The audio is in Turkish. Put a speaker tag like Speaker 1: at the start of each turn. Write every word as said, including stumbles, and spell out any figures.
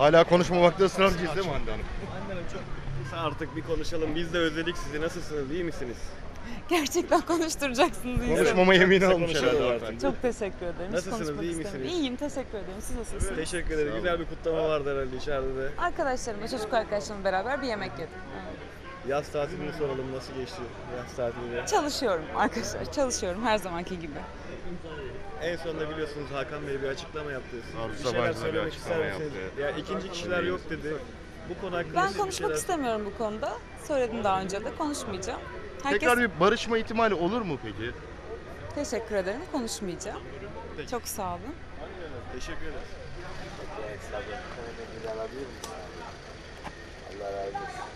Speaker 1: Hala konuşmamakta ısrarcıyız değil mi Hande Hanım?
Speaker 2: Hande Hanım çok kısa artık bir konuşalım. Biz de özledik sizi. Nasılsınız? İyi misiniz?
Speaker 3: Gerçekten konuşturacaksınız insanı.
Speaker 1: Konuşmama yemini
Speaker 2: Kısa
Speaker 1: almış
Speaker 2: konuşalım
Speaker 1: herhalde
Speaker 2: artık.
Speaker 1: hanımefendi.
Speaker 3: Çok teşekkür ederim. Hiç
Speaker 2: Nasılsınız,
Speaker 3: konuşmak
Speaker 2: iyi
Speaker 3: istemiyorum.
Speaker 2: misiniz?
Speaker 3: İyiyim, teşekkür ederim. Siz nasılsınız?
Speaker 2: Teşekkür ederiz. Güzel bir kutlama vardı herhalde içeride de.
Speaker 3: Arkadaşlarımla, çocuk arkadaşlarımla beraber bir yemek yedim.
Speaker 2: Yaz tatilini soralım. Nasıl geçti yaz tatili?
Speaker 3: Çalışıyorum arkadaşlar, çalışıyorum her zamanki gibi.
Speaker 2: En sonunda biliyorsunuz Hakan Bey bir açıklama yaptı.
Speaker 1: Arzu
Speaker 2: Bir şeyler
Speaker 1: Sabancı da bir
Speaker 2: söylemek
Speaker 1: açıklama
Speaker 2: ister misiniz?
Speaker 1: yaptı.
Speaker 2: Ya ikinci kişiler yok dedi. Bu konu hakkında
Speaker 3: Ben
Speaker 2: siz bir
Speaker 3: konuşmak
Speaker 2: şeyler...
Speaker 3: istemiyorum bu konuda. Söyledim daha önce de, konuşmayacağım. Herkes...
Speaker 1: Tekrar bir barışma ihtimali olur mu peki?
Speaker 3: Teşekkür ederim, konuşmayacağım.
Speaker 2: Peki.
Speaker 3: Çok sağ olun.
Speaker 2: Teşekkür ederiz.
Speaker 4: Allah razı olsun.